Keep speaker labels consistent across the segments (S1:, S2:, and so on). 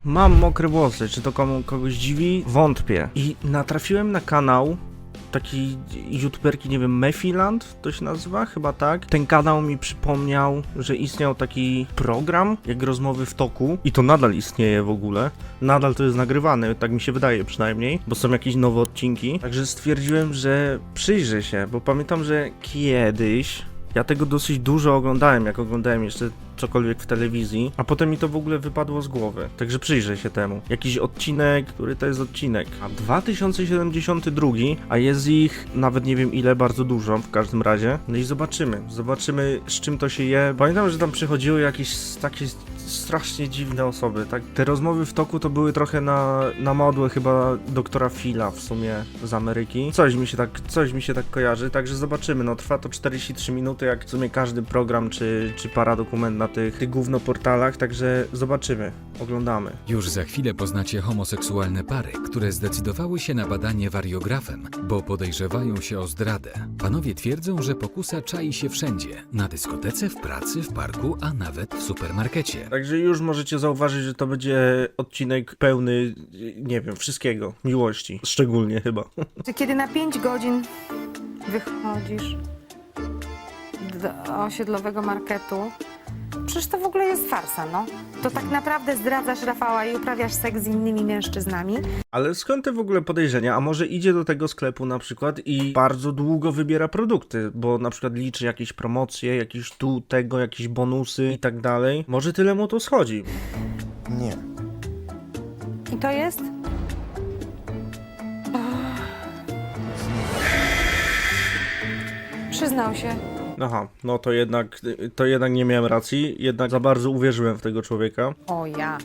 S1: Mam mokre włosy, czy to kogoś dziwi? Wątpię. I natrafiłem na kanał takiej youtuberki, nie wiem, Mefiland to się nazywa? Chyba tak. Ten kanał mi przypomniał, że istniał taki program, jak Rozmowy w toku i to nadal istnieje w ogóle. Nadal to jest nagrywane, tak mi się wydaje przynajmniej, bo są jakieś nowe odcinki. Także stwierdziłem, że przyjrzę się, bo pamiętam, że kiedyś ja tego dosyć dużo oglądałem, jak oglądałem jeszcze cokolwiek w telewizji, a potem mi to w ogóle wypadło z głowy. Także przyjrzę się temu. Jakiś odcinek, który to jest odcinek? A 2072, a jest ich nawet nie wiem ile, bardzo dużo w każdym razie. No i zobaczymy. Zobaczymy, z czym to się je. Pamiętam, że tam przychodziły jakieś takie strasznie dziwne osoby, tak? Te rozmowy w toku to były trochę na modłę chyba doktora Phila w sumie z Ameryki. Coś mi się tak kojarzy, także zobaczymy. No trwa to 43 minuty, jak w sumie każdy program czy paradokument na tych gównoportalach, także zobaczymy, oglądamy.
S2: Już za chwilę poznacie homoseksualne pary, które zdecydowały się na badanie wariografem, bo podejrzewają się o zdradę. Panowie twierdzą, że pokusa czai się wszędzie. Na dyskotece, w pracy, w parku, a nawet w supermarkecie.
S1: Także już możecie zauważyć, że to będzie odcinek pełny, nie wiem, wszystkiego. Miłości, szczególnie chyba.
S3: Czy kiedy na 5 godzin wychodzisz do osiedlowego marketu, przecież to w ogóle jest farsa, no. To tak naprawdę zdradzasz Rafała i uprawiasz seks z innymi mężczyznami.
S1: Ale skąd te w ogóle podejrzenia? A może idzie do tego sklepu na przykład i bardzo długo wybiera produkty, bo na przykład liczy jakieś promocje, jakieś jakieś bonusy i tak dalej. Może tyle mu to schodzi.
S4: Nie.
S3: I to jest? Przyznał się.
S1: Aha, no to jednak nie miałem racji, jednak za bardzo uwierzyłem w tego człowieka.
S3: O ja.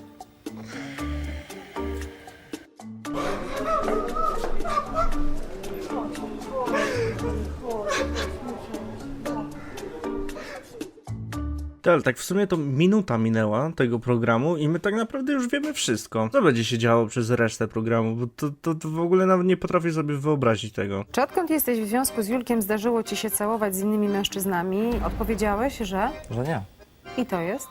S1: Ale tak w sumie to minuta minęła tego programu i my tak naprawdę już wiemy wszystko. Co będzie się działo przez resztę programu, bo to w ogóle nawet nie potrafię sobie wyobrazić tego.
S3: Czy odkąd jesteś w związku z Julkiem zdarzyło ci się całować z innymi mężczyznami? Odpowiedziałeś, że?
S4: Że nie.
S3: I to jest?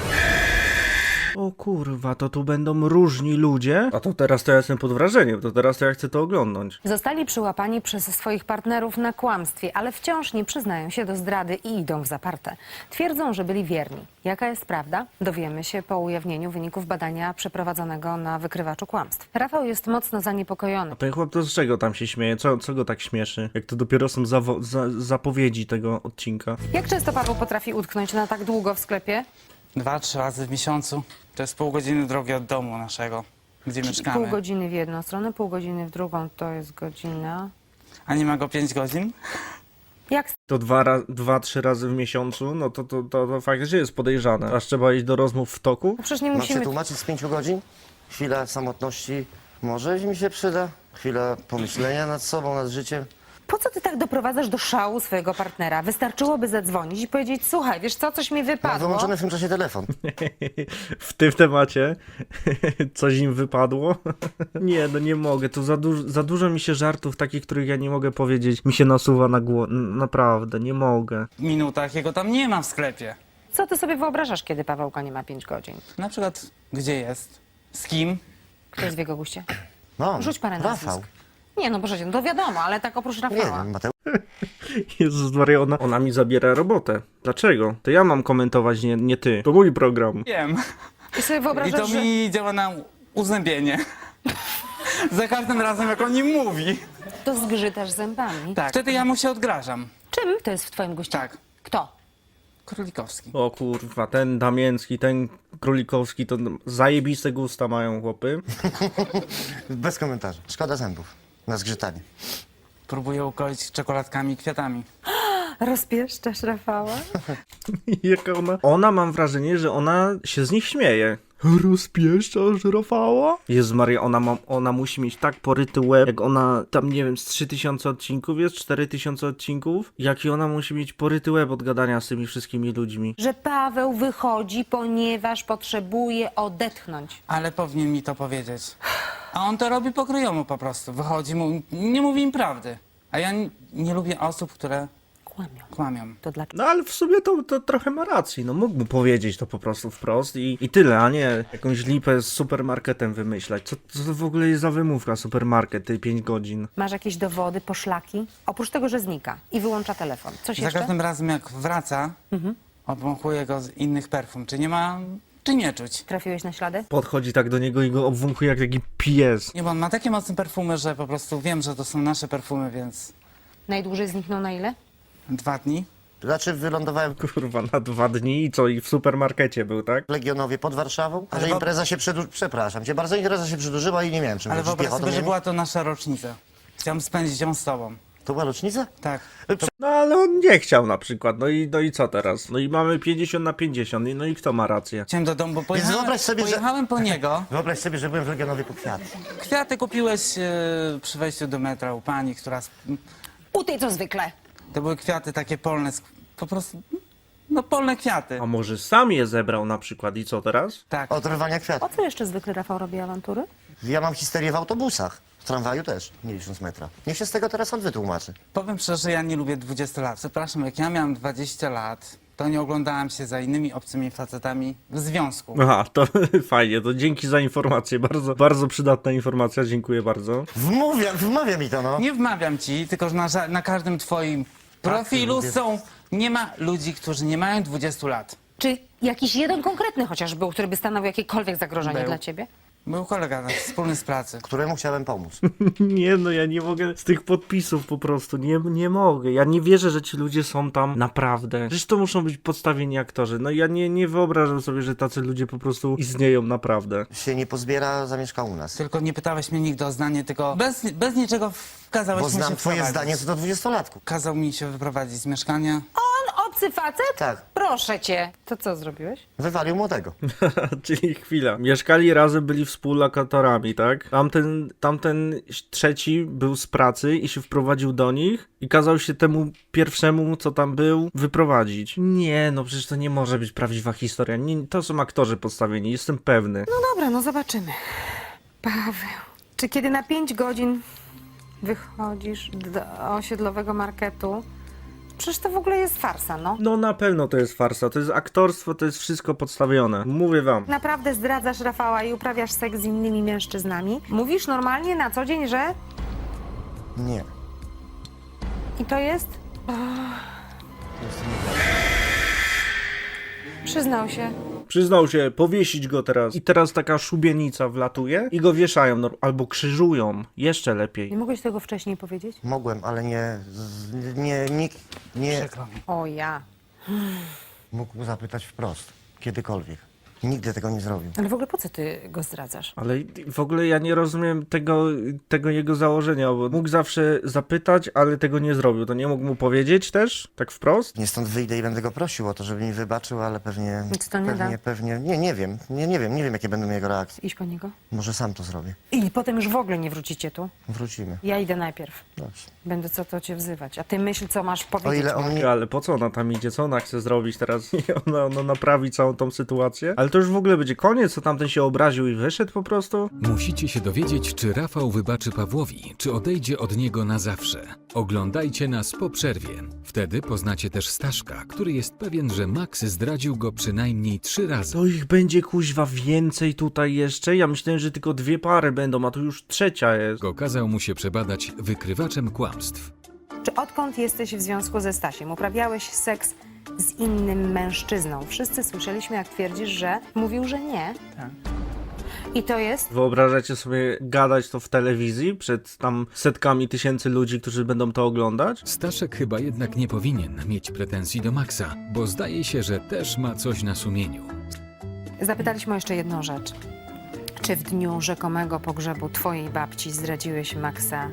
S1: O kurwa, to tu będą różni ludzie? A to teraz to ja jestem pod wrażeniem, to teraz to ja chcę to oglądnąć.
S3: Zostali przyłapani przez swoich partnerów na kłamstwie, ale wciąż nie przyznają się do zdrady i idą w zaparte. Twierdzą, że byli wierni. Jaka jest prawda? Dowiemy się po ujawnieniu wyników badania przeprowadzonego na wykrywaczu kłamstw. Rafał jest mocno zaniepokojony.
S1: A ten chłop to z czego tam się śmieje? Co go tak śmieszy? Jak to dopiero są zapowiedzi tego odcinka.
S3: Jak często Paweł potrafi utknąć na tak długo w sklepie?
S5: 2-3 razy w miesiącu. To jest pół godziny drogi od domu naszego, gdzie mieszkamy.
S3: Pół godziny w jedną stronę, pół godziny w drugą, to jest godzina.
S5: A nie ma go 5 godzin?
S3: Jak
S1: To 2-3 razy w miesiącu, no to faktycznie jest podejrzane. Aż trzeba iść do rozmów w toku?
S3: No przecież nie
S4: Mam się
S3: musimy...
S4: tłumaczyć z 5 godzin? Chwila samotności może mi się przyda. Chwila pomyślenia nad sobą, nad życiem.
S3: Po co ty tak doprowadzasz do szału swojego partnera? Wystarczyłoby zadzwonić i powiedzieć, słuchaj, wiesz co, coś mi
S4: Mam
S3: wypadło.
S4: wyłączony w tym czasie telefon.
S1: W tym temacie coś im wypadło? Nie, no nie mogę, to za dużo mi się żartów takich, których ja nie mogę powiedzieć, mi się nasuwa na głowę. Naprawdę, nie mogę.
S5: W minutach jego tam nie ma w sklepie.
S3: Co ty sobie wyobrażasz, kiedy Pawełka nie ma 5 godzin?
S5: Na przykład, gdzie jest? Z kim?
S3: Kto jest w jego guście?
S4: No,
S3: Rzuć parę
S4: Rafał.
S3: nazwisk. Nie, no proszę cię, no to wiadomo, ale tak oprócz
S4: Nie
S3: Rafała.
S4: wiem, Mateusz.
S1: Jezus Maria, ona mi zabiera robotę. Dlaczego? To ja mam komentować, nie ty. To mój program.
S5: Wiem.
S3: I sobie
S5: I
S3: wyobrażasz,
S5: to
S3: że...
S5: mi działa na uzębienie. Za każdym razem, jak on nim mówi.
S3: To zgrzytasz zębami.
S5: Tak. Wtedy ja mu się odgrażam.
S3: Czym to jest w twoim guście?
S5: Tak.
S3: Kto?
S5: Królikowski.
S1: O kurwa, ten Damięcki, ten Królikowski, to zajebiste gusta mają chłopy.
S4: Bez komentarzy. Szkoda zębów na zgrzytanie.
S5: Próbuję ukroić czekoladkami i kwiatami.
S3: Rozpieszczasz Rafała?
S1: Jaka ona mam wrażenie, że ona się z nich śmieje. Rozpieszczasz Rafała? Jezu Maria, ona musi mieć tak poryty łeb, jak ona tam, nie wiem, z 3000 odcinków jest, 4000 odcinków, jaki ona musi mieć poryty łeb od gadania z tymi wszystkimi ludźmi.
S3: Że Paweł wychodzi, ponieważ potrzebuje odetchnąć.
S5: Ale powinien mi to powiedzieć. A on to robi pokryjomu po prostu. Wychodzi, nie mówi im prawdy. A ja nie lubię osób, które
S3: Kłamią.
S5: Kłamią.
S3: To dlaczego?
S1: No ale w sumie to trochę ma racji, no mógł mu powiedzieć to po prostu wprost i tyle, a nie jakąś lipę z supermarketem wymyślać. Co to w ogóle jest za wymówka supermarket, tej 5 godzin?
S3: Masz jakieś dowody, poszlaki? Oprócz tego, że znika i wyłącza telefon. Coś
S5: Za
S3: jeszcze?
S5: każdym razem jak wraca, obwąchuję go z innych perfum. Czy nie ma, czy nie czuć?
S3: Trafiłeś na ślady?
S1: Podchodzi tak do niego i go obwąchuje jak taki pies.
S5: Nie, bo on ma takie mocne perfumy, że po prostu wiem, że to są nasze perfumy, więc
S3: Najdłużej zniknął na ile?
S5: 2 dni.
S4: Znaczy wylądowałem
S1: Kurwa, na 2 dni i co? I w supermarkecie był, tak?
S4: w Legionowie pod Warszawą,
S5: Ale
S4: że
S5: wo-
S4: impreza się przepraszam cię bardzo, impreza się przedłużyła i nie miałem czym
S5: Ale
S4: wrócić
S5: wyobraź
S4: piechotą.
S5: sobie, że
S4: Nie?
S5: była to nasza rocznica. Chciałem spędzić ją z tobą.
S4: To była rocznica?
S5: Tak.
S1: No ale on nie chciał na przykład, no i co teraz? No i mamy 50/50, no i kto ma rację?
S5: Chciałem do domu, bo
S4: wyobraź sobie, że-
S5: pojechałem po niego.
S4: Wyobraź sobie, że byłem w Legionowie po kwiaty.
S5: Kwiaty kupiłeś przy wejściu do metra u pani, która...
S3: U tej co zwykle.
S5: To były kwiaty takie polne, po prostu... No polne kwiaty.
S1: A może sam je zebrał na przykład i co teraz?
S5: Tak.
S4: Od rwania
S3: O
S4: kwiatów.
S3: co jeszcze zwykle Rafał robi awantury?
S4: Ja mam histerię w autobusach. W tramwaju też, nie licząc metra. Niech się z tego teraz on wytłumaczy.
S5: Powiem szczerze, że ja nie lubię 20 lat. Przepraszam, jak ja miałem 20 lat, to nie oglądałem się za innymi obcymi facetami w związku.
S1: Aha, to fajnie, to dzięki za informację, bardzo, bardzo przydatna informacja, dziękuję bardzo.
S4: Wmawia mi to, no.
S5: Nie wmawiam ci, tylko że na każdym twoim profilu
S4: lubię.
S5: nie ma ludzi, którzy nie mają 20 lat.
S3: Czy jakiś jeden konkretny chociaż był, który by stanowił jakiekolwiek zagrożenie
S5: Był.
S3: dla ciebie?
S5: Był kolega nasz wspólny z pracy.
S4: Któremu chciałem pomóc.
S1: Nie no, ja nie mogę z tych podpisów po prostu, nie mogę. Ja nie wierzę, że ci ludzie są tam naprawdę. Przecież to muszą być podstawieni aktorzy. No ja nie wyobrażam sobie, że tacy ludzie po prostu istnieją naprawdę.
S4: Się nie pozbiera, zamieszka u nas.
S5: Tylko nie pytałeś mnie nigdy o zdanie, tylko bez niczego kazałeś
S4: Bo
S5: mi się
S4: znam twoje
S5: wprowadzić.
S4: zdanie co do 20-latków.
S5: Kazał mi się wyprowadzić z mieszkania.
S3: On obcy facet?
S4: Tak.
S3: Proszę cię. To co zrobiłeś?
S4: Wywalił młodego.
S1: Czyli chwila. Mieszkali razem, byli współlokatorami, tak? Tamten trzeci był z pracy i się wprowadził do nich i kazał się temu pierwszemu, co tam był, wyprowadzić. Nie, no przecież to nie może być prawdziwa historia. Nie, to są aktorzy podstawieni, jestem pewny.
S3: No dobra, no zobaczymy. Paweł, czy kiedy na 5 godzin wychodzisz do osiedlowego marketu? Przecież to w ogóle jest farsa, no.
S1: No na pewno to jest farsa, to jest aktorstwo, to jest wszystko podstawione. Mówię wam.
S3: Naprawdę zdradzasz Rafała i uprawiasz seks z innymi mężczyznami? Mówisz normalnie na co dzień, że...
S4: Nie.
S3: I to jest... Przyznał się.
S1: Przyznał się, powiesić go teraz. I teraz taka szubienica wlatuje i go wieszają, no, albo krzyżują. Jeszcze
S3: Nie
S1: lepiej.
S3: mogłeś tego wcześniej powiedzieć?
S4: Mogłem, ale nikt nie
S5: Przykro mi.
S3: O ja.
S4: mógł zapytać wprost. Kiedykolwiek. Nigdy tego nie zrobił.
S3: Ale w ogóle po co ty go zdradzasz?
S1: Ale w ogóle ja nie rozumiem tego jego założenia, bo mógł zawsze zapytać, ale tego nie zrobił. To nie mógł mu powiedzieć też? Tak wprost?
S4: Nie stąd wyjdę i będę go prosił o to, żeby mi wybaczył, ale pewnie...
S3: Nic to nie da.
S4: Pewnie, nie wiem. Nie wiem, jakie będą jego reakcje.
S3: Iść po niego?
S4: Może sam to zrobię.
S3: I potem już w ogóle nie wrócicie tu.
S4: Wrócimy.
S3: Ja idę najpierw.
S4: Dobrze.
S3: Będę co to cię wzywać. A ty myśl, co masz powiedzieć.
S4: O ile on nie...
S1: Ale po co ona tam idzie? Co ona chce zrobić teraz? Ona naprawi całą tą sytuację? Ale to już w ogóle będzie koniec, co tamten się obraził i wyszedł po prostu?
S2: Musicie się dowiedzieć, czy Rafał wybaczy Pawłowi, czy odejdzie od niego na zawsze. Oglądajcie nas po przerwie. Wtedy poznacie też Staszka, który jest pewien, że Max zdradził go przynajmniej 3 razy.
S1: To ich będzie kuźwa więcej tutaj jeszcze? Ja myślałem, że tylko 2 pary będą, a tu już 3 jest.
S2: Kazał mu się przebadać wykrywaczem kłamstw.
S3: Czy odkąd jesteś w związku ze Stasiem? Uprawiałeś seks z innym mężczyzną? Wszyscy słyszeliśmy, jak twierdzisz, że mówił, że nie.
S5: Tak.
S3: I to jest?
S1: Wyobrażacie sobie gadać to w telewizji przed tam setkami tysięcy ludzi, którzy będą to oglądać?
S2: Staszek chyba jednak nie powinien mieć pretensji do Maxa, bo zdaje się, że też ma coś na sumieniu.
S3: Zapytaliśmy o jeszcze jedną rzecz. Czy w dniu rzekomego pogrzebu twojej babci zdradziłeś Maxa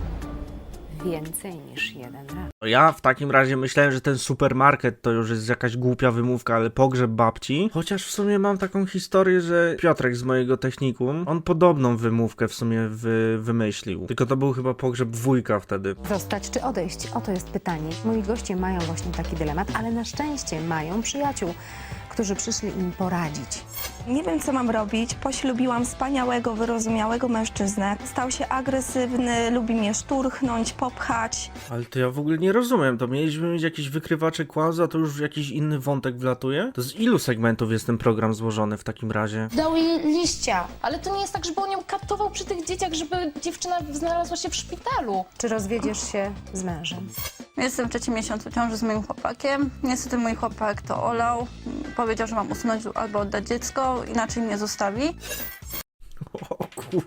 S3: więcej niż jeden raz?
S1: Ja w takim razie myślałem, że ten supermarket to już jest jakaś głupia wymówka, ale pogrzeb babci. Chociaż w sumie mam taką historię, że Piotrek z mojego technikum, on podobną wymówkę w sumie wymyślił. Tylko to był chyba pogrzeb wujka wtedy.
S3: Zostać czy odejść? Oto jest pytanie. Moi goście mają właśnie taki dylemat, ale na szczęście mają przyjaciół, którzy przyszli im poradzić.
S6: Nie wiem, co mam robić. Poślubiłam wspaniałego, wyrozumiałego mężczyznę. Stał się agresywny, lubi mnie szturchnąć, popchać.
S1: Ale to ja w ogóle nie rozumiem, to mieliśmy mieć jakieś wykrywacze kłamstw, a to już jakiś inny wątek wlatuje? To z ilu segmentów jest ten program złożony w takim razie?
S7: Dał jej liścia, ale to nie jest tak, żeby on ją katował przy tych dzieciach, żeby dziewczyna znalazła się w szpitalu.
S3: Czy rozwiedziesz się z mężem?
S6: Jestem w 3. miesiącu ciąży z moim chłopakiem. Niestety mój chłopak to olał. Powiedział, że mam usunąć albo oddać dziecko, inaczej mnie zostawi.
S1: O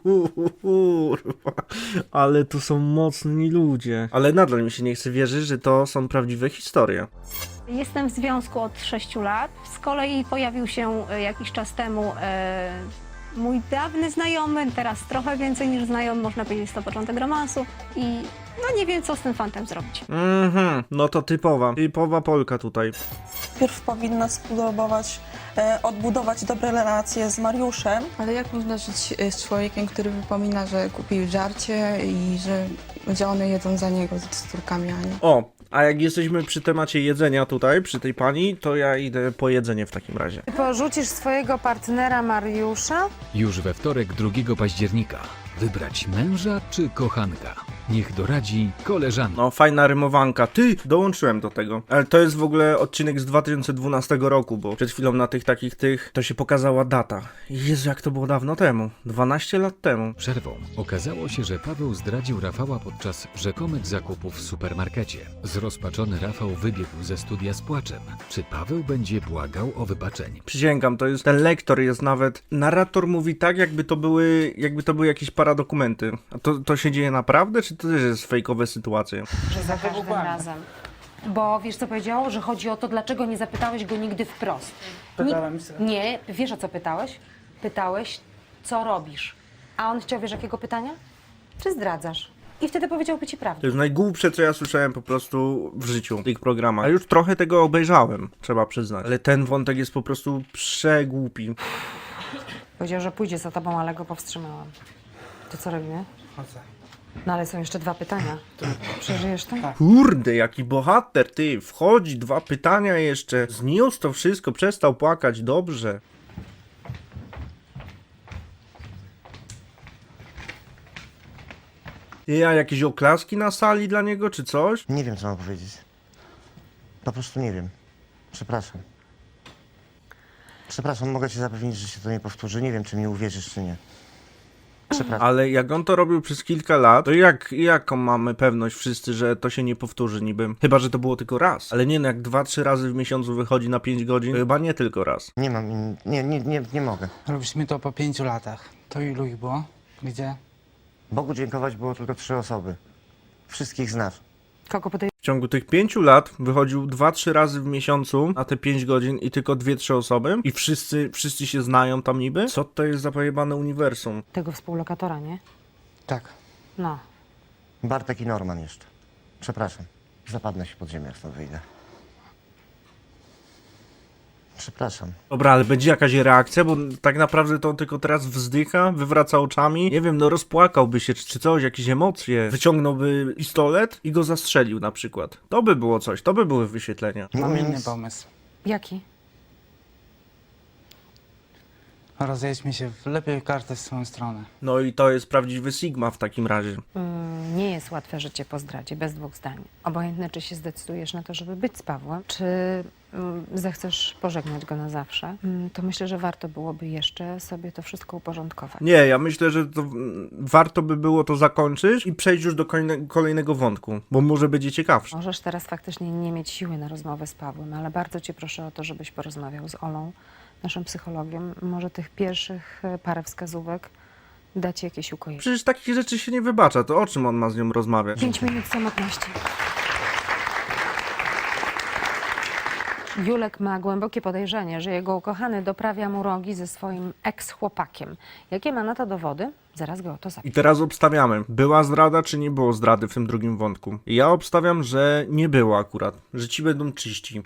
S1: kurwa, ale tu są mocni ludzie. Ale nadal mi się nie chce wierzyć, że to są prawdziwe historie.
S8: Jestem w związku od 6 lat. Z kolei pojawił się jakiś czas temu mój dawny znajomy, teraz trochę więcej niż znajomy, można powiedzieć, jest to początek romansu i no nie wiem, co z tym fantem zrobić.
S1: No to typowa Polka tutaj.
S6: Najpierw powinna spróbować odbudować dobre relacje z Mariuszem.
S9: Ale jak można żyć z człowiekiem, który wypomina, że kupił żarcie i że one jedzą za niego z córkami, a nie?
S1: O, a jak jesteśmy przy temacie jedzenia tutaj, przy tej pani, to ja idę po jedzenie w takim razie.
S3: Ty porzucisz swojego partnera Mariusza?
S2: Już we wtorek 2 października. Wybrać męża czy kochanka? Niech doradzi koleżanka.
S1: No, fajna rymowanka. Ty, dołączyłem do tego. Ale to jest w ogóle odcinek z 2012 roku, bo przed chwilą na tych to się pokazała data. Jezu, jak to było dawno temu. 12 lat temu.
S2: Przerwą okazało się, że Paweł zdradził Rafała podczas rzekomych zakupów w supermarkecie. Zrozpaczony Rafał wybiegł ze studia z płaczem. Czy Paweł będzie błagał o wybaczenie?
S1: Przysięgam, to jest, ten lektor jest nawet, narrator mówi tak, jakby to były jakieś paradokumenty. A to się dzieje naprawdę, czy to też jest fejkowe sytuacje?
S3: Że za każdym razem. Bo wiesz, co powiedział? Że chodzi o to, dlaczego nie zapytałeś go nigdy wprost.
S5: Pytałem się.
S3: Nie, wiesz, o co pytałeś? Pytałeś, co robisz. A on chciał, wiesz, jakiego pytania? Czy zdradzasz? I wtedy powiedziałby ci prawdę.
S1: To jest najgłupsze, co ja słyszałem po prostu w życiu w tych programach. A już trochę tego obejrzałem, trzeba przyznać. Ale ten wątek jest po prostu przegłupi.
S3: Powiedział, że pójdzie za tobą, ale go powstrzymałam. To co robimy?
S5: Chodzę.
S3: No ale są jeszcze 2 pytania. Przeżyjesz to?
S1: Kurde, jaki bohater, ty. Wchodzi, 2 pytania jeszcze. Zniósł to wszystko, przestał płakać, dobrze. Ja, jakieś oklaski na sali dla niego, czy coś?
S4: Nie wiem, co mam powiedzieć. Po prostu nie wiem. Przepraszam. Przepraszam, mogę cię zapewnić, że się to nie powtórzy. Nie wiem, czy mi uwierzysz, czy nie. Przepraszam.
S1: Ale jak on to robił przez kilka lat, to jaką mamy pewność wszyscy, że to się nie powtórzy niby? Chyba, że to było tylko raz. Ale nie, no jak 2-3 razy w miesiącu wychodzi na 5 godzin, to chyba nie tylko raz.
S4: Nie mam, nie mogę.
S5: Robiliśmy to po 5 latach. To ilu ich było? Gdzie?
S4: Bogu dziękować było tylko 3 osoby. Wszystkich znasz.
S3: Kogo podejrzewasz?
S1: W ciągu tych 5 lat wychodził 2-3 razy w miesiącu na te 5 godzin i tylko 2-3 osoby i wszyscy się znają tam niby? Co to jest za pojebane uniwersum?
S3: Tego współlokatora, nie?
S5: Tak.
S3: No.
S4: Bartek i Norman jeszcze. Przepraszam. Zapadnę się pod ziemię, jak stąd wyjdę. Przepraszam.
S1: Dobra, ale będzie jakaś reakcja, bo tak naprawdę to on tylko teraz wzdycha, wywraca oczami. Nie wiem, no rozpłakałby się czy coś, jakieś emocje. Wyciągnąłby pistolet i go zastrzelił na przykład. To by było coś, to by były wyświetlenia.
S4: Nie
S5: Mam
S4: umiem
S5: inny
S4: nic.
S5: pomysł.
S3: Jaki?
S5: Rozejdźmy się, lepiej kartę w swoją stronę.
S1: No i to jest prawdziwy Sigma w takim razie.
S3: Nie jest łatwe życie po zdradzie, bez 2 zdań. Obojętne, czy się zdecydujesz na to, żeby być z Pawłem, czy zechcesz pożegnać go na zawsze, to myślę, że warto byłoby jeszcze sobie to wszystko uporządkować.
S1: Nie, ja myślę, że to warto by było to zakończyć i przejść już do kolejnego wątku, bo może będzie ciekawsze.
S3: Możesz teraz faktycznie nie mieć siły na rozmowę z Pawłem, ale bardzo cię proszę o to, żebyś porozmawiał z Olą, naszym psychologiem. Może tych pierwszych parę wskazówek da ci jakieś ukojenie.
S1: Przecież takich rzeczy się nie wybacza, to o czym on ma z nią rozmawiać?
S3: 5 minut samotności. Julek ma głębokie podejrzenie, że jego ukochany doprawia mu rogi ze swoim ex-chłopakiem. Jakie ma na to dowody? Zaraz go o to zapytam.
S1: I teraz obstawiamy, była zdrada, czy nie było zdrady w tym drugim wątku. Ja obstawiam, że nie było akurat, że ci będą czyści.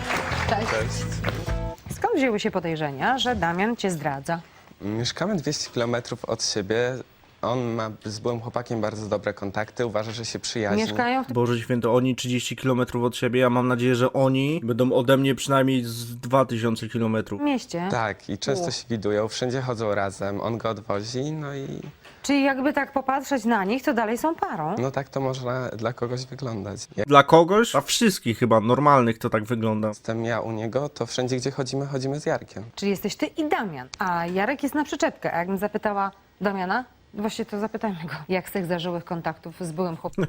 S3: Skąd wzięły się podejrzenia, że Damian cię zdradza?
S10: Mieszkamy 200 km od siebie. On ma z byłym chłopakiem bardzo dobre kontakty, uważa, że się przyjaźni.
S3: Mieszkają w tym
S1: Boże święto, oni 30 km od siebie, ja mam nadzieję, że oni będą ode mnie przynajmniej z 2000 km.
S3: mieście.
S10: Tak, i często się widują, wszędzie chodzą razem, on go odwozi, no i
S3: Czyli jakby tak popatrzeć na nich, to dalej są parą.
S10: no tak to można dla kogoś wyglądać. Jak
S1: Dla kogoś? Dla wszystkich chyba, normalnych to tak wygląda.
S10: jestem ja u niego, to wszędzie, gdzie chodzimy z Jarkiem.
S3: Czyli jesteś ty i Damian, a Jarek jest na przyczepkę. A jakbym zapytała Damiana, właśnie to zapytajmy go, jak z tych zażyłych kontaktów z byłym chłopakiem.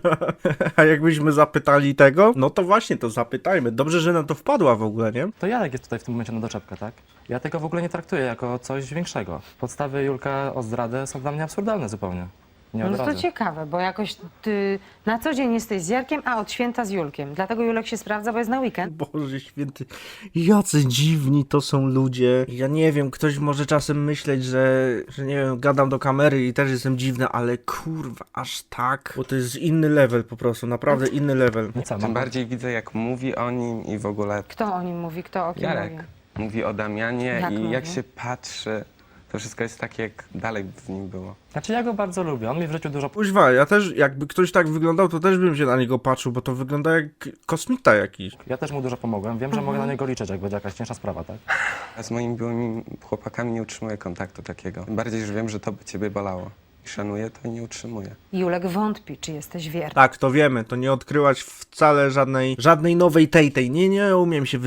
S1: A jakbyśmy zapytali tego, no to właśnie to zapytajmy. Dobrze, że na to wpadła w ogóle, nie?
S11: To Jarek jest tutaj w tym momencie na doczepkę, tak? Ja tego w ogóle nie traktuję jako coś większego. Podstawy Julka o zdradę są dla mnie absurdalne zupełnie. Nie od
S3: No to
S11: razu.
S3: ciekawe, bo jakoś ty na co dzień jesteś z Jarkiem, a od święta z Julkiem. Dlatego Julek się sprawdza, bo jest na weekend.
S1: Boże święty, jacy dziwni to są ludzie. Ja nie wiem, ktoś może czasem myśleć, że nie wiem, gadam do kamery i też jestem dziwny, ale kurwa, aż tak? Bo to jest inny level po prostu, naprawdę inny level.
S11: No co,
S10: Tym
S11: mam...
S10: bardziej widzę, jak mówi o nim i w ogóle
S3: Kto o nim mówi, kto o kim
S10: Jarek
S3: mówi?
S10: mówi o Damianie
S3: Jak
S10: i
S3: mówi?
S10: jak się patrzy, to wszystko jest tak, jak dalej w nim było.
S11: Znaczy ja go bardzo lubię, on mi w życiu dużo...
S1: Kuźwa, ja też, jakby ktoś tak wyglądał, to też bym się na niego patrzył, bo to wygląda jak kosmita jakiś.
S11: Ja też mu dużo pomogłem, wiem, że mogę na niego liczyć, jak będzie jakaś cięższa sprawa, tak?
S10: A z moimi byłymi chłopakami nie utrzymuję kontaktu takiego. Tym bardziej, że wiem, że to by ciebie bolało. I szanuję to i nie utrzymuję.
S3: Julek wątpi, czy jesteś wierny.
S1: Tak, to wiemy, to nie odkryłaś wcale żadnej nowej tej. Nie umiem się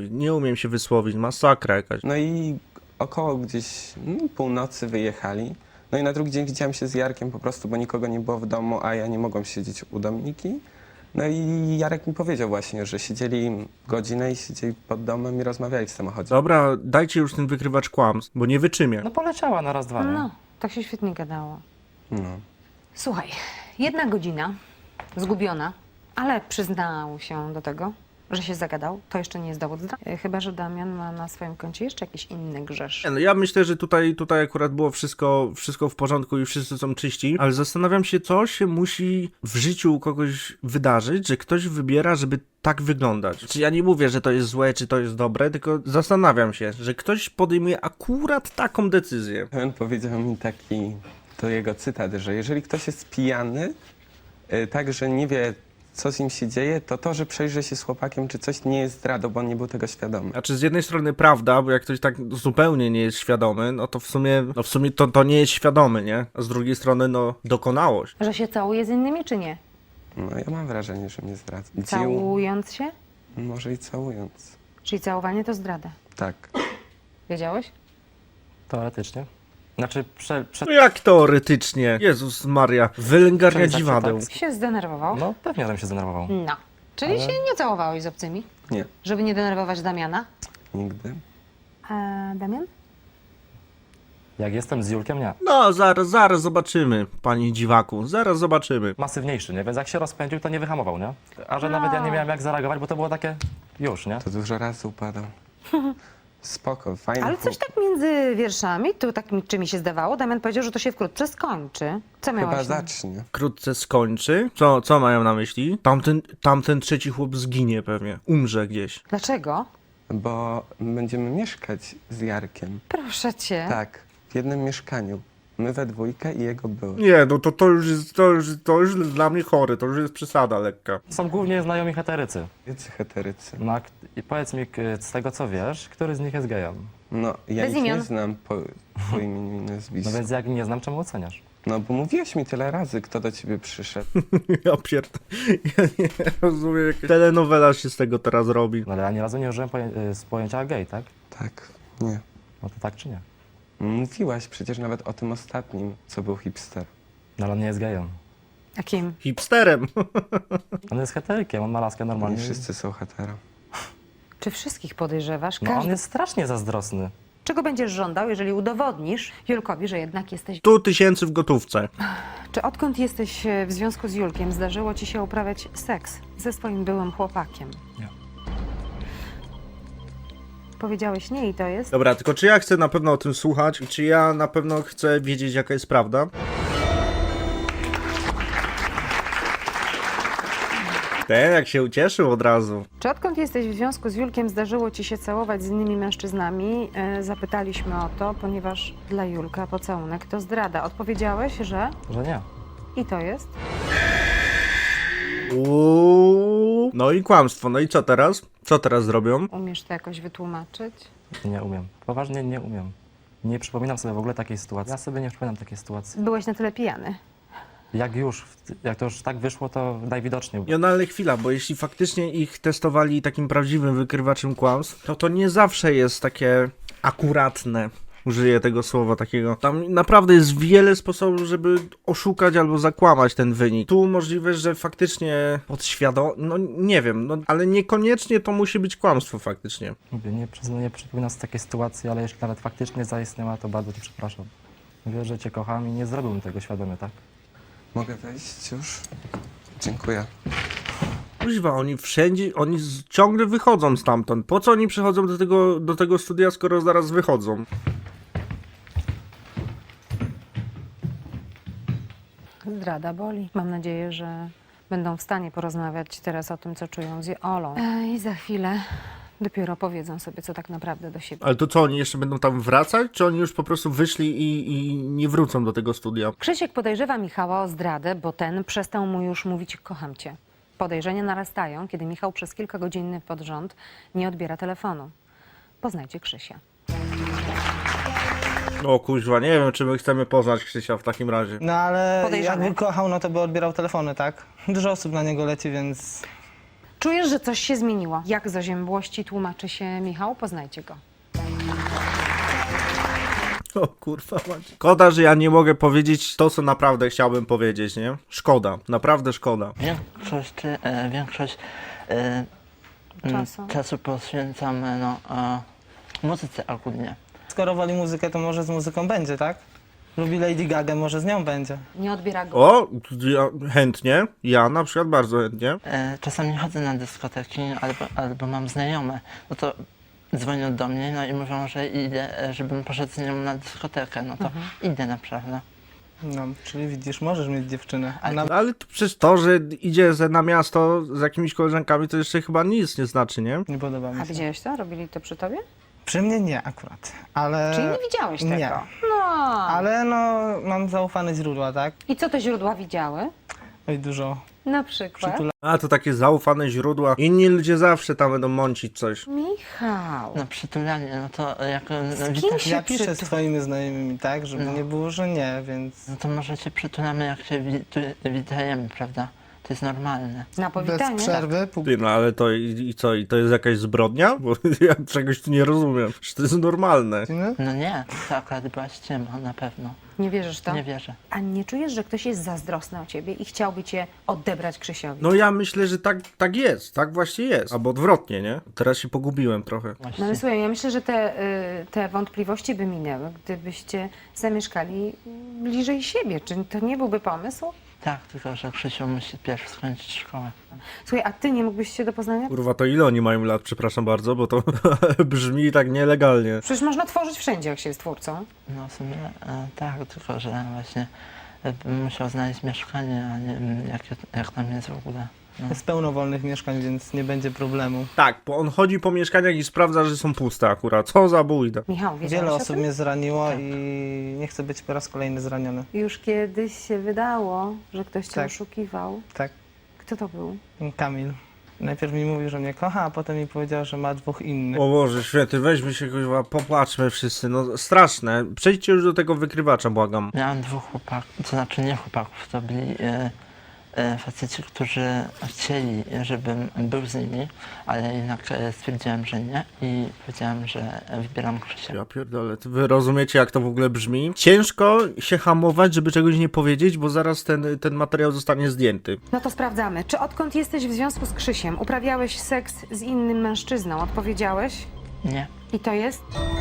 S1: wysłowić, masakra jakaś.
S10: No i około gdzieś północy wyjechali. No i na drugi dzień widziałem się z Jarkiem po prostu, bo nikogo nie było w domu, a ja nie mogłem siedzieć u Dominiki. No i Jarek mi powiedział właśnie, że siedzieli godzinę i siedzieli pod domem i rozmawiali w samochodzie.
S1: Dobra, dajcie już ten wykrywacz kłamstw, bo nie wyczymię.
S11: No poleciała na raz, dwa, nie?
S3: No, tak się świetnie gadało.
S10: No.
S3: Słuchaj, 1 godzina, zgubiona, ale przyznał się do tego, że się zagadał. To jeszcze nie jest dowód zdrady. Chyba że Damian ma na swoim koncie jeszcze jakiś inny grzesz.
S1: Nie, no ja myślę, że tutaj akurat było wszystko w porządku i wszyscy są czyści, ale zastanawiam się, co się musi w życiu u kogoś wydarzyć, że ktoś wybiera, żeby tak wyglądać. Czy ja nie mówię, że to jest złe, czy to jest dobre, tylko zastanawiam się, że ktoś podejmuje akurat taką decyzję.
S10: On powiedział mi to jego cytat, że jeżeli ktoś jest pijany, tak, że nie wie, co z nim się dzieje, to, że przejrzy się z chłopakiem, czy coś nie jest zdradą, bo on nie był tego świadomy.
S1: Znaczy z jednej strony prawda, bo jak ktoś tak zupełnie nie jest świadomy, no to w sumie to nie jest świadomy, nie? A z drugiej strony, no, dokonałość.
S3: Że się całuje z innymi, czy nie?
S10: No ja mam wrażenie, że mnie zdradza.
S3: Całując się?
S10: Może i całując.
S3: Czyli całowanie to zdrada.
S10: Tak.
S3: Wiedziałeś?
S11: Teoretycznie. Znaczy
S1: No jak teoretycznie? Jezus Maria, wylęgarnia
S11: Czyli tak,
S1: dziwadeł.
S11: tak.
S3: Się zdenerwował?
S11: No pewnie, żebym się zdenerwował.
S3: No. Czyli
S11: Ale-
S3: się nie całowałeś z obcymi?
S10: Nie.
S3: Żeby nie denerwować Damiana?
S10: Nigdy.
S3: A Damian?
S11: Jak jestem z Julkiem, nie.
S1: No, zaraz zobaczymy, panie dziwaku, zaraz zobaczymy.
S11: Masywniejszy, nie? Więc jak się rozpędził, to nie wyhamował, nie? A że nawet ja nie miałem jak zareagować, bo to było takie już, nie?
S10: To dużo razy upadał. Spoko, fajny
S3: Ale coś tak między wierszami, tu tak czy mi się zdawało, Damian powiedział, że to się wkrótce skończy. Co
S10: Chyba
S3: miałeś?
S10: zacznie.
S1: Wkrótce skończy. Co mają na myśli? Tamten trzeci chłop zginie pewnie, umrze gdzieś.
S3: Dlaczego?
S10: Bo będziemy mieszkać z Jarkiem.
S3: Proszę cię.
S10: Tak, w jednym mieszkaniu. My we dwójkę i jego były.
S1: Nie, no to już dla mnie chory, to już jest przesada lekka.
S11: Są głównie znajomi heterycy.
S10: Jacy heterycy.
S11: No, i powiedz mi, z tego co wiesz, który z nich jest gejem?
S10: No, ja
S3: Bez
S10: ich
S3: imion.
S10: nie znam po imieniu i nazwisku.
S11: No więc jak nie znam, czemu oceniasz?
S10: No, bo mówiłeś mi tyle razy, kto do ciebie przyszedł.
S1: Ja nie rozumiem, jaka telenowela się z tego teraz robi.
S11: No ale ja ani razu nie użyłem z pojęcia gej, tak?
S10: Tak, nie.
S11: No to tak czy nie?
S10: Mówiłaś przecież nawet o tym ostatnim, co był hipster.
S11: No ale on nie jest gejem.
S3: A kim?
S1: Hipsterem.
S11: On jest heterykiem, on ma laskę normalnie.
S10: Nie wszyscy są hetero.
S3: Czy wszystkich podejrzewasz?
S11: No on
S3: Każdy...
S11: jest strasznie zazdrosny.
S3: Czego będziesz żądał, jeżeli udowodnisz Julkowi, że jednak jesteś...
S1: 100 000 w gotówce.
S3: Czy odkąd jesteś w związku z Julkiem, zdarzyło ci się uprawiać seks ze swoim byłym chłopakiem?
S11: Nie.
S3: Powiedziałeś nie i to jest?
S1: Dobra, tylko czy ja chcę na pewno o tym słuchać i czy ja na pewno chcę wiedzieć, jaka jest prawda? Ten jak się ucieszył od razu.
S3: Czy odkąd jesteś w związku z Julkiem zdarzyło ci się całować z innymi mężczyznami? Zapytaliśmy o to, ponieważ dla Julka pocałunek to zdrada. Odpowiedziałeś, że...
S11: Że nie.
S3: I to jest?
S1: No i kłamstwo. No i co teraz? Co teraz zrobią?
S3: Umiesz to jakoś wytłumaczyć?
S11: Nie umiem. Poważnie nie umiem. Nie przypominam sobie w ogóle takiej sytuacji. Ja sobie nie przypominam takiej sytuacji.
S3: Byłeś na tyle pijany.
S11: Jak to już tak wyszło, to najwidoczniej.
S1: Ja, no ale chwila, bo jeśli faktycznie ich testowali takim prawdziwym wykrywaczem kłamstw, to nie zawsze jest takie akuratne. Użyję tego słowa takiego. Tam naprawdę jest wiele sposobów, żeby oszukać albo zakłamać ten wynik. Tu możliwe, że faktycznie podświadomie, no nie wiem, no ale niekoniecznie to musi być kłamstwo faktycznie.
S11: Mówię, nie przypominam sobie takiej sytuacji, ale jeśli nawet faktycznie zaistniała, to bardzo cię przepraszam. Wiesz, że cię kocham i nie zrobiłbym tego świadomie, tak?
S10: Mogę wejść już? Dziękuję.
S1: Kuźwa, oni wszędzie, ciągle wychodzą stamtąd. Po co oni przychodzą do tego studia, skoro zaraz wychodzą?
S3: Zdrada boli. Mam nadzieję, że będą w stanie porozmawiać teraz o tym, co czują z Olą. I za chwilę dopiero powiedzą sobie, co tak naprawdę do siebie.
S1: Ale to co, oni jeszcze będą tam wracać? Czy oni już po prostu wyszli i nie wrócą do tego studia?
S3: Krzysiek podejrzewa Michała o zdradę, bo ten przestał mu już mówić kocham cię. Podejrzenia narastają, kiedy Michał przez kilka godzin pod rząd nie odbiera telefonu. Poznajcie Krzysia.
S1: O kuźwa, nie wiem, czy my chcemy poznać Krzysia w takim razie.
S5: No ale
S3: Podejrzany.
S5: jakby kochał, no to by odbierał telefony, tak? Dużo osób na niego leci, więc...
S3: Czujesz, że coś się zmieniło. Jak z oziębłości tłumaczy się Michał? Poznajcie go.
S1: O kurwa mać. Szkoda, że ja nie mogę powiedzieć to, co naprawdę chciałbym powiedzieć, nie? Szkoda, naprawdę szkoda.
S12: Większość
S3: Czasu.
S12: czasu poświęcam muzyce ogólnie.
S5: Skoro woli muzykę, to może z muzyką będzie, tak? Lubi Lady Gaga, może z nią będzie.
S3: Nie odbiera go.
S1: O, ja, chętnie. Ja na przykład bardzo chętnie.
S12: Czasami chodzę na dyskoteki albo mam znajome, no to dzwonią do mnie, no i mówią, że idę, żebym poszedł z nią na dyskotekę, no to idę naprawdę.
S5: No, czyli widzisz, możesz mieć dziewczynę.
S12: Ale-
S5: Ona...
S1: Ale to przecież to, że idzie na miasto z jakimiś koleżankami, to jeszcze chyba nic nie znaczy, nie?
S5: Nie podoba mi
S3: A
S5: się.
S3: widziałeś to? Robili to przy tobie?
S5: Przy mnie nie akurat, ale...
S3: Czyli nie widziałeś tego?
S5: nie.
S3: No.
S5: Ale no, mam zaufane źródła, tak?
S3: I co te źródła widziały?
S5: Oj, dużo
S3: Na przykład?
S1: A, to takie zaufane źródła. Inni ludzie zawsze tam będą mącić coś.
S3: Michał.
S12: No przytulanie, no to jak
S3: kim się
S5: Ja piszę z
S3: przytul-
S5: twoimi znajomymi, tak? Żeby
S12: No.
S5: nie było, że nie, więc...
S12: no to może się przytulamy, jak się witajemy, prawda? To jest normalne.
S3: Na
S5: Bez
S3: powitanie?
S5: przerwy,
S1: Ty, no ale to i co? I to jest jakaś zbrodnia? Bo ja czegoś tu nie rozumiem. Że to jest normalne.
S12: No nie, to akurat była ściema, na pewno.
S3: Nie wierzysz w to?
S12: Nie wierzę.
S3: A nie czujesz, że ktoś jest zazdrosny o ciebie i chciałby cię odebrać Krzysiowi?
S1: No ja myślę, że tak jest. Tak właśnie jest. Albo odwrotnie, nie? Teraz się pogubiłem trochę.
S3: No ale słuchaj, ja myślę, że te wątpliwości by minęły, gdybyście zamieszkali bliżej siebie. Czy to nie byłby pomysł?
S12: Tak, tylko że Krzysiu musi pierw skończyć szkołę.
S3: Słuchaj, a ty nie mógłbyś się do Poznania?
S1: Kurwa, to ile oni mają lat? Przepraszam bardzo, bo to brzmi tak nielegalnie.
S3: Przecież można tworzyć wszędzie, jak się jest twórcą.
S12: No w sumie tak, tylko że właśnie bym musiał znaleźć mieszkanie, a nie wiem jak tam jest w ogóle. No.
S5: jest pełno wolnych mieszkań, więc nie będzie problemu.
S1: Tak, bo on chodzi po mieszkaniach i sprawdza, że są puste akurat. Co za bójda.
S3: Michał, wiedziałeś
S5: Wiele
S3: o
S5: osób
S3: tym?
S5: mnie zraniło i nie chcę być po raz kolejny zraniony.
S3: Już kiedyś się wydało, że ktoś cię
S5: Tak.
S3: oszukiwał.
S5: Tak,
S3: Kto to był?
S5: Kamil. Najpierw mi mówił, że mnie kocha, a potem mi powiedział, że ma dwóch innych.
S1: O Boże, święty, weźmy się, kurwa, popłaczmy wszyscy. No straszne. Przejdźcie już do tego wykrywacza, błagam.
S12: Miałem dwóch chłopaków, to znaczy nie chłopaków, to byli faceci, którzy chcieli, żebym był z nimi, ale jednak stwierdziłem, że nie i powiedziałem, że wybieram Krzysia.
S1: Ja pierdolę, wy rozumiecie, jak to w ogóle brzmi? Ciężko się hamować, żeby czegoś nie powiedzieć, bo zaraz ten materiał zostanie zdjęty.
S3: No to sprawdzamy. Czy odkąd jesteś w związku z Krzysiem uprawiałeś seks z innym mężczyzną? Odpowiedziałeś?
S12: Nie.
S3: I to jest?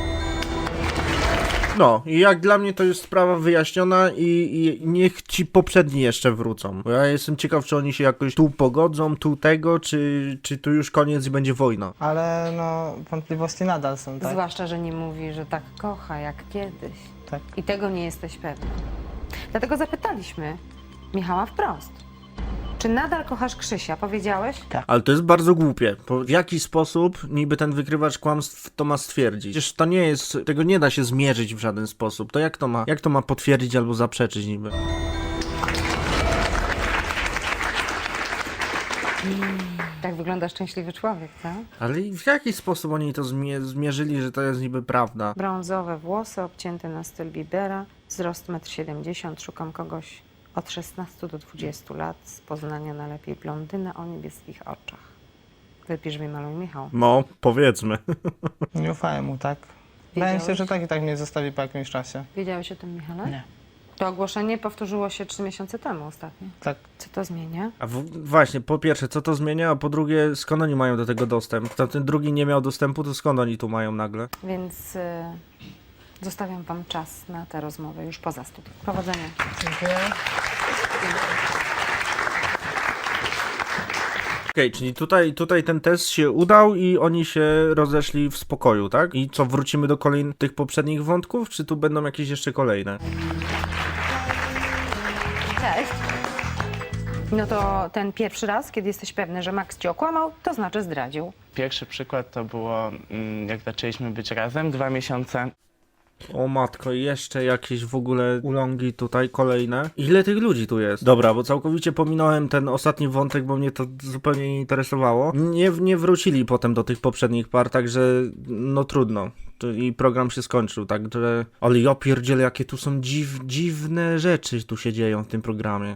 S1: No, i jak dla mnie to jest sprawa wyjaśniona i niech ci poprzedni jeszcze wrócą. Bo ja jestem ciekaw, czy oni się jakoś tu pogodzą, tu tego, czy tu już koniec i będzie wojna.
S5: Ale no, wątpliwości nadal są, tak?
S3: Zwłaszcza, że nie mówi, że tak kocha jak kiedyś.
S5: Tak.
S3: I tego nie jesteś pewny. Dlatego zapytaliśmy Michała wprost. Czy nadal kochasz Krzysia? Powiedziałeś?
S1: Ale to jest bardzo głupie. W jaki sposób niby ten wykrywacz kłamstw to ma stwierdzić? Przecież to nie jest, tego nie da się zmierzyć w żaden sposób. To jak to ma potwierdzić albo zaprzeczyć niby?
S3: Tak wygląda szczęśliwy człowiek, co?
S1: Ale w jaki sposób oni to zmierzyli, że to jest niby prawda?
S3: Brązowe włosy obcięte na styl Biebera, wzrost 1,70 m. Szukam kogoś od 16 do 20 lat, z Poznania najlepiej blondynę o niebieskich oczach. Wypisz mi, maluj, Michał.
S1: No, powiedzmy.
S5: Nie ufałem mu, tak? Wydaje mi się,
S3: Wiedziałeś?
S5: że tak i tak mnie zostawi po jakimś czasie.
S3: Wiedziałeś o tym, Michale?
S12: Nie.
S3: To ogłoszenie powtórzyło się 3 miesiące temu ostatnio.
S5: Tak.
S3: Co to zmienia?
S1: A właśnie, po pierwsze, co to zmienia, a po drugie, skąd oni mają do tego dostęp? Ten drugi nie miał dostępu, to skąd oni tu mają nagle?
S3: Więc zostawiam wam czas na tę rozmowę już poza studium. Powodzenia.
S5: Dziękuję.
S1: Okej, czyli tutaj ten test się udał i oni się rozeszli w spokoju, tak? I co, wrócimy do kolejnych tych poprzednich wątków, czy tu będą jakieś jeszcze kolejne?
S3: Cześć. No to ten pierwszy raz, kiedy jesteś pewny, że Max ci okłamał, to znaczy zdradził.
S13: Pierwszy przykład to było, jak zaczęliśmy być razem, 2 miesiące.
S1: O matko, jeszcze jakieś w ogóle ulongi tutaj, kolejne. Ile tych ludzi tu jest? Dobra, bo całkowicie pominąłem ten ostatni wątek, bo mnie to zupełnie nie interesowało. Nie wrócili potem do tych poprzednich par, także no trudno. I program się skończył, także... Ale ja pierdzielę, jakie tu są dziwne rzeczy tu się dzieją w tym programie.